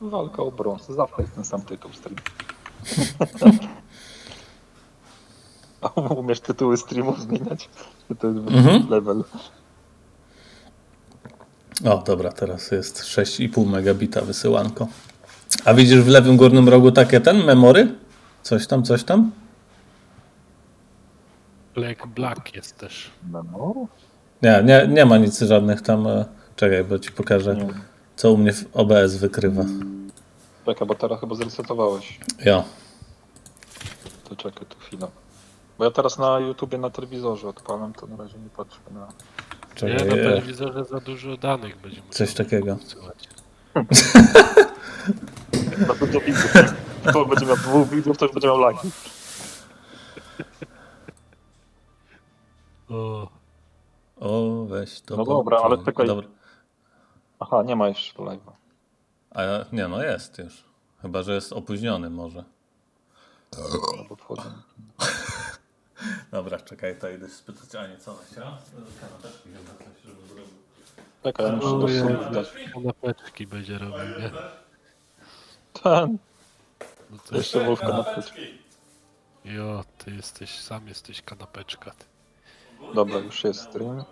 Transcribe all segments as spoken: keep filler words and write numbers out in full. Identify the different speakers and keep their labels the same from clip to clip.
Speaker 1: Walka o brąz. Zawsze jest ten sam tytuł stream. A umiesz tytuły streamów zmieniać? Czy to jest
Speaker 2: Mhm.
Speaker 1: level?
Speaker 2: O, dobra, teraz jest sześć i pół megabita wysyłanko. A widzisz w lewym górnym rogu takie ten memory? Coś tam, coś tam?
Speaker 3: Black Black jest też.
Speaker 1: No,
Speaker 2: Nie, nie, nie ma nic żadnych tam. e, Czekaj, bo ci pokażę,
Speaker 1: nie.
Speaker 2: co u mnie w O B S wykrywa.
Speaker 1: Czekaj, bo teraz chyba zresetowałeś.
Speaker 2: Jo.
Speaker 1: To czekaj tu chwilę. Bo ja teraz na YouTubie na telewizorze odpalam, to na razie nie patrzę na...
Speaker 2: Czekaj,
Speaker 3: Nie, na
Speaker 2: e,
Speaker 3: telewizorze za dużo danych będzie musiał
Speaker 2: coś takiego.
Speaker 3: wysyłać.
Speaker 1: Na dużo widzów. To będzie miał dwóch widzów, to już będzie miał lagi.
Speaker 3: O,
Speaker 2: O, weź to.
Speaker 1: No dobra, ale
Speaker 2: pociąg.
Speaker 1: czekaj.
Speaker 2: Dobra.
Speaker 1: Aha, nie ma jeszcze live'a.
Speaker 2: A ja- nie, no jest już. Chyba, że jest opóźniony może.
Speaker 1: Albo wchodzę.
Speaker 2: Dobra, czekaj, to idę spytać Ani, co ona chciała? Kanapeczki chyba coś, żeby zrobił.
Speaker 1: Czekaj, ja muszę do
Speaker 3: Ojej.
Speaker 1: sumów dać.
Speaker 3: kanapeczki będzie robił, nie?
Speaker 1: Ten,
Speaker 3: No to
Speaker 1: jeszcze Wolf kanapeczki.
Speaker 3: Jo, ty jesteś, sam jesteś kanapeczka. Ty.
Speaker 1: Dobra, już jest stream.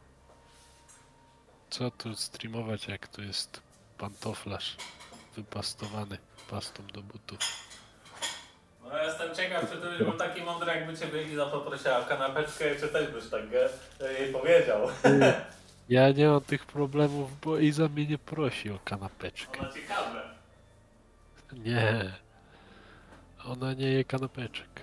Speaker 3: Co tu streamować, jak tu jest pantoflarz wypastowany pastą do butów.
Speaker 2: No ja jestem ciekaw, czy ty byś był taki mądry, jakby ciebie Iza poprosiła o kanapeczkę i czy też byś tak e, jej powiedział.
Speaker 3: Ja nie mam tych problemów, bo Iza mnie nie prosi o kanapeczkę.
Speaker 2: No ciekawe.
Speaker 3: Nie. Ona nie je kanapeczek.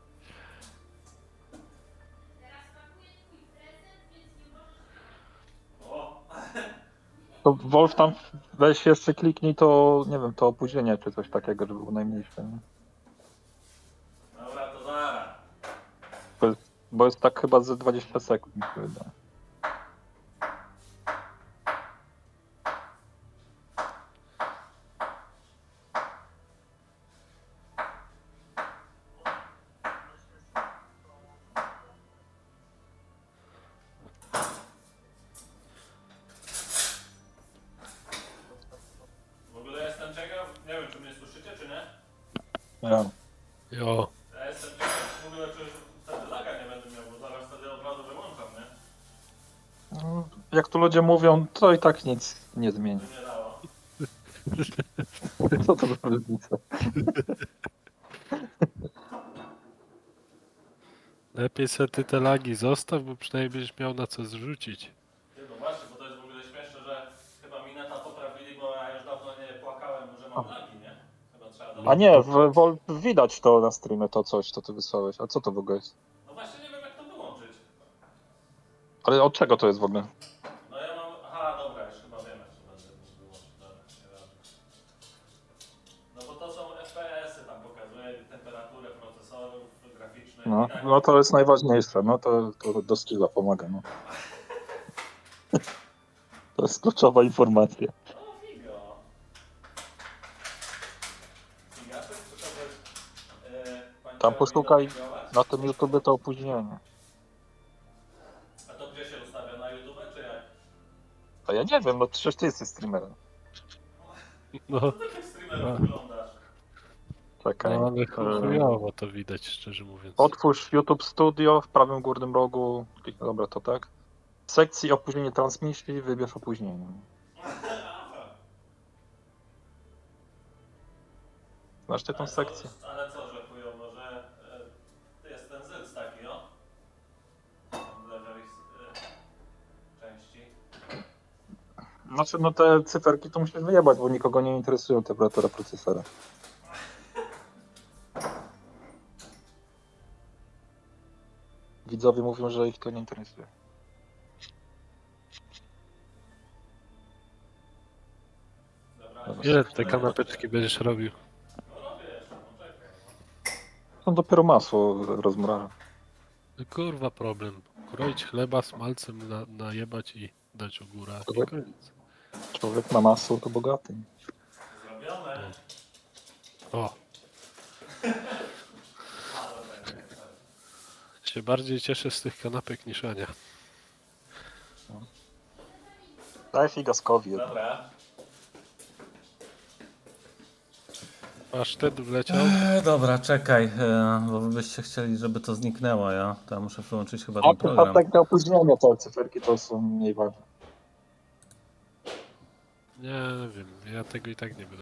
Speaker 1: To Wolf tam weź jeszcze kliknij to, nie wiem, to opóźnienie czy coś takiego, żeby było najmniejsze. Nie?
Speaker 2: Dobra, to zaraz.
Speaker 1: Bo jest, bo jest tak chyba ze dwadzieścia sekund mi się wydaje.
Speaker 2: W ogóle jestem ciekaw, nie wiem, czy mnie słyszycie, czy nie?
Speaker 1: Ja.
Speaker 3: Jo.
Speaker 2: Ja jestem ciekaw w ogóle, czy wtedy laga nie będę miał, bo zaraz wtedy od razu wyłączam, nie?
Speaker 1: No, jak tu ludzie mówią, to i tak nic nie zmieni.
Speaker 2: By nie dało.
Speaker 1: Co to za różnica?
Speaker 3: Lepiej sobie ty te lagi zostaw, bo przynajmniej będziesz miał na co zrzucić.
Speaker 2: Nie, no właśnie, bo to jest w ogóle śmieszne, że chyba Mineta poprawili, bo ja już dawno nie płakałem, że mam lagi, nie? Chyba trzeba do...
Speaker 1: A nie, w, Wolf widać to na streamie, to coś, to ty wysłałeś. A co to w ogóle jest?
Speaker 2: No właśnie nie wiem, jak to wyłączyć.
Speaker 1: Ale od czego to jest w ogóle?
Speaker 2: No ja mam... Aha, dobra, już chyba wiem, jak to będę mógł wyłączyć. Dobra, nieważne. No bo to są F P S-y, tam pokazuje temperaturę procesorów graficznych.
Speaker 1: No,
Speaker 2: i tak.
Speaker 1: no to jest najważniejsze, no to, to do skilla pomaga, no. To jest kluczowa informacja.
Speaker 2: O, figo. Figa, to jest to jest... Yy, pani
Speaker 1: Tam
Speaker 2: Karolino,
Speaker 1: poszukaj
Speaker 2: figować?
Speaker 1: na tym YouTube to opóźnienie.
Speaker 2: A to gdzie się ustawia? Na YouTube czy jak?
Speaker 1: A ja nie wiem, no przecież ty jesteś streamerem.
Speaker 3: No,
Speaker 2: To takim streamerem wyglądasz.
Speaker 1: Czekaj.
Speaker 3: no ale
Speaker 1: e,
Speaker 3: chujowo to widać, szczerze mówiąc.
Speaker 1: Otwórz YouTube Studio w prawym górnym rogu. Kliknę, dobra, to tak. W sekcji opóźnienie transmisji wybierz opóźnienie. Znasz ty tą
Speaker 2: Ale co-
Speaker 1: sekcję?
Speaker 2: Ale co, że chujowo, że e, jest ten zyc taki, o? Tam w lewej e, części.
Speaker 1: Znaczy, no te cyferki to musisz wyjebać, bo nikogo nie interesują temperatura procesora. Widzowie mówią, że ich to nie interesuje.
Speaker 2: Dobra.
Speaker 1: Dobra.
Speaker 3: Ile te kanapeczki będziesz robił?
Speaker 2: No robię jeszcze, poczekaj.
Speaker 1: To dopiero masło rozmraża.
Speaker 3: No kurwa problem. Kroić chleba smalcem, na, najebać i dać u góra. I
Speaker 1: Człowiek-
Speaker 3: koniec.
Speaker 1: Człowiek ma masło, to bogaty.
Speaker 2: Zrobione.
Speaker 3: O. Się bardziej cieszę z tych kanapek niż Ania.
Speaker 1: Daj figaskowi. jedno.
Speaker 2: Dobra.
Speaker 3: Pasztet wleciał.
Speaker 2: Eee, dobra, czekaj, e, bo wy byście chcieli, żeby to zniknęło, ja? To ja muszę wyłączyć chyba
Speaker 1: A
Speaker 2: ten
Speaker 1: to
Speaker 2: program.
Speaker 1: takie opóźnienie, te cyferki to są mniej ważne.
Speaker 3: Nie wiem, ja tego i tak nie będę